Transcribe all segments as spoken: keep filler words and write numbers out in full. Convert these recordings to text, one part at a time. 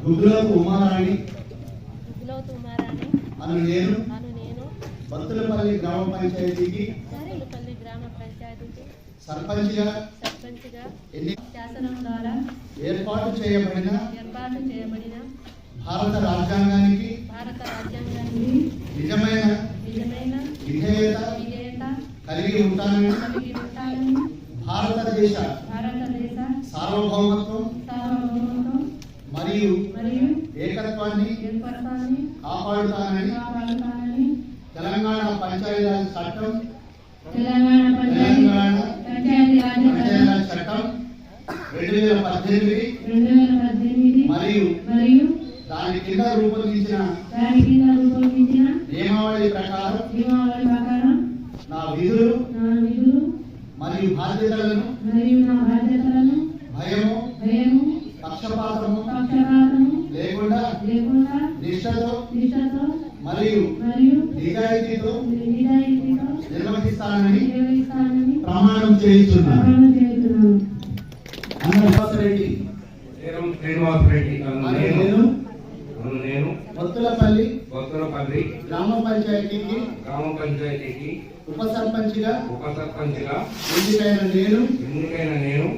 గుడ్లోతు ఉమారాణి గుడ్లోతు ఉమారాణి అను నేను అను నేను బత్తులపల్లి గ్రామ పంచాయతీకి బత్తులపల్లి గ్రామ పంచాయతీకి సర్పంచ్గా సర్పంచ్గా ఎన్ని శాసనం ద్వారా ఏర్పాటు చేయబడిన ఏర్పాటు చేయబడిన భారత రాజ్యాంగానికి భారత రాజ్యాంగానికి నిజమైన నిజమైన విధేయత విధేయత కలిగి ఉంటానని కలిగి ఉంటానని భారతదేశ భారతదేశ సార్వభౌమత్వం సార్వభౌమత్వం మరియు మరియు ఏకత్వాన్ని ఏర్పడతానని కాపాడుతానని కాపాడుతానని తెలంగాణ పంచాయతీరాజ్ చట్టం తెలంగాణ తెలంగాణ పంచాయతీరాజ్ పంచాయతీరాజ్ చట్టం రెండు వేల పద్దెనిమిది రెండు వేల పద్దెనిమిది మరియు మరియు దాని కింద రూపొందించిన దాని కింద రూపొందించిన నియమావళి ప్రకారం నియమావళి ప్రకారం నా విధులు నా విధులు మరియు బాధ్యతలను మరియు నా బాధ్యతలను భయము భయము పక్షపాతము పక్షపాతము లేకుండా లేకుండా నిష్ఠతో నిష్ఠతో మరియు మరియు నిజాయితీతో నిజాయితీతో నిర్వహిస్తానని నిర్వహిస్తానని ప్రమాణం చేయించున్నాను. ప్రమాణం చేస్తున్నాను. అన్నవాసరెడ్డి శ్రీనివాసరెడ్డి నేను నేను బత్తులపల్లి బొత్తలపల్లి గ్రామ పంచాయతీకి గ్రామ పంచాయతీకి ఉప సర్పంచ్గా ఉప సర్పంచ్గా ఎన్నికైన నేను ఎన్నికైన నేను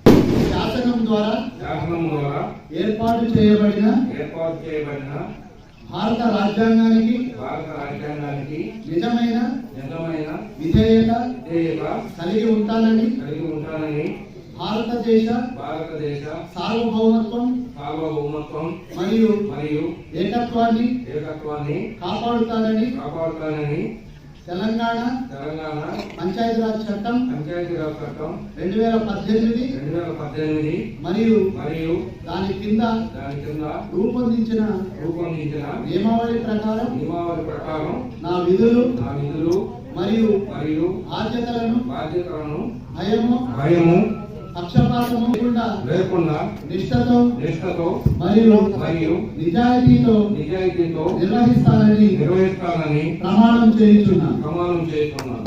శాసనం ద్వారా శాసనం ద్వారా ఏర్పాటు చేయబడిన ఏర్పాటు చేయబడిన భారత రాజ్యాంగానికి భారత రాజ్యాంగానికి నిజమైన నిజమైన విధేయత విధేయత కలిగి ఉంటానని కలిగి ఉంటానని భారతదేశ భారతదేశ సార్వభౌమత్వం సార్వభౌమత్వం మరియు మరియు ఏకత్వాన్ని ఏకత్వాన్ని కాపాడుతానని కాపాడుతానని తెలంగాణ తెలంగాణ పంచాయతీరాజ్ చట్టం పంచాయతీరాజ్ చట్టం రెండు వేల పద్దెనిమిది రెండు వేల పద్దెనిమిది మరియు మరియు దాని కింద దాని కింద రూపొందించిన రూపొందించిన నియమావళి ప్రకారం నియమావళి ప్రకారం నా విధులు నా విధులు మరియు మరియు బాధ్యతలను బాధ్యతలను భయము భయము పక్షపాతము లేకుండా లేకుండా నిష్ఠతో నిష్ఠతో మరియు మరియు నిజాయితీతో నిజాయితీతో నిర్వహిస్తానని నిర్వహిస్తానని ప్రమాణం చేయించున్నాను. ప్రమాణం చేస్తున్నాను.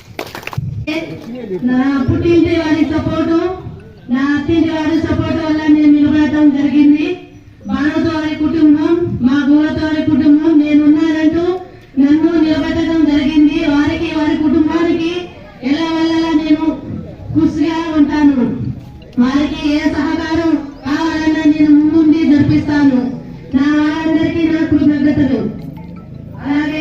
నా పుట్టింటి వారి సపోర్టు నా అత్తింటి వారి సపోర్టు వల్ల నేను నిలబడటం జరిగింది. బాణతో వారి కుటుంబం మా గోలతో వారి కుటుంబం నేనున్నానంటూ నన్ను నిలబెట్టడం జరిగింది. వారికి వారి కుటుంబానికి ఎలా వెళ్ళాలా నేను కృషిగా ఉంటాను. వారికి ఏ సహకారం కావాలన్నా నేను ముందుండి జరిపిస్తాను. నా వారందరికీ నా కృతజ్ఞతలు. అలాగే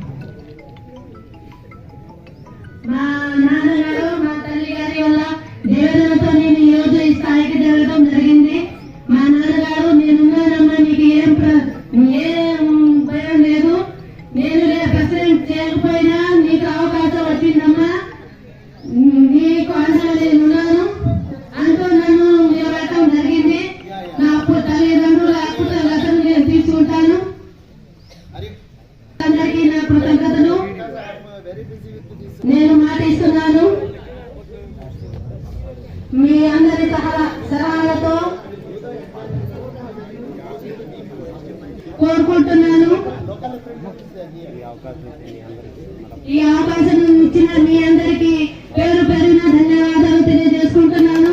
మా నాన్నగారు మా తల్లి గారి వల్ల దేవతలతో నేను ఈ రోజు ఈ స్థాయికి జరగడం జరిగింది. మా నాన్నగారు నేనున్నానమ్మా, నీకు ఏం ఏం భయం లేదు, నేను ప్రెసిడెంట్ చేయకపోయినా నీకు అవకాశం వచ్చిందమ్మా, నీకు అండగా నేనున్నాను అంటూ నన్ను నిలబెట్టడం జరిగింది. నా తల్లిదండ్రుల కృతజ్ఞతలు నేను తీసుకుంటాను. అందరికీ నా కృతజ్ఞతలు. నేను మాట ఇస్తున్నాను, మీ అందరి సలహాలతో కోరుకుంటున్నాను. ఈ అవకాశం ఇచ్చిన మీ అందరికీ పేరు పేరున ధన్యవాదాలు తెలియజేసుకుంటున్నాను.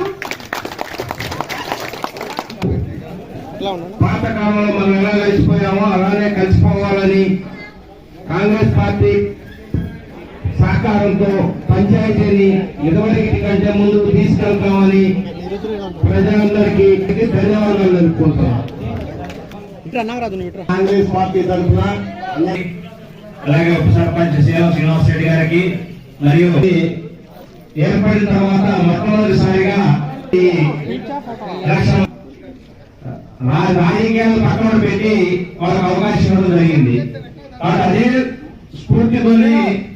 పాత కాలంలో మనం ఎలా కలిసిపోయామో అలానే కలిసిపోవాలని కాంగ్రెస్ పార్టీ సహకారంతో పంచాయతీని ఇదివరకు కంటే ముందుకు తీసుకెళ్తామని ప్రజలందరికీ ధన్యవాదాలు తెలుపుకుంటున్నాం. కాంగ్రెస్ పార్టీ తరఫున అలాగే ఉప సర్పంచ్ సీఎం శ్రీనివాస్ రెడ్డి గారికి మరియు ఏర్పడిన తర్వాత మొట్టమొదటిసారిగా ఈ ఎలక్షన్ రాజకీయాలు పక్కన పెట్టి వాళ్ళకి అవకాశం ఇవ్వడం జరిగింది. కాబట్టి అదే స్ఫూర్తితోనే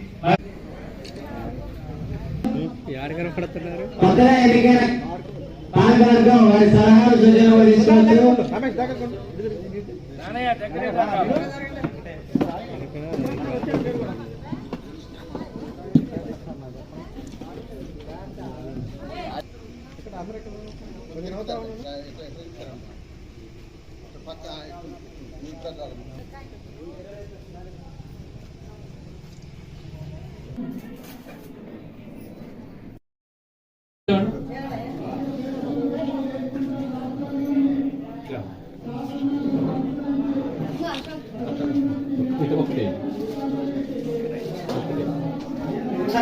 కొత్తగా ఎన్నికైన పాలకవర్గం వారి సలహాలు సూచనలు తీసుకోవచ్చు. Yeah.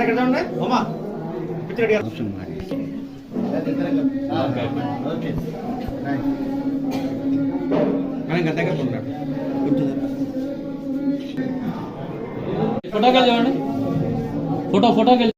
ఫోటోకి చూడండి ఫోటో ఫోటోకి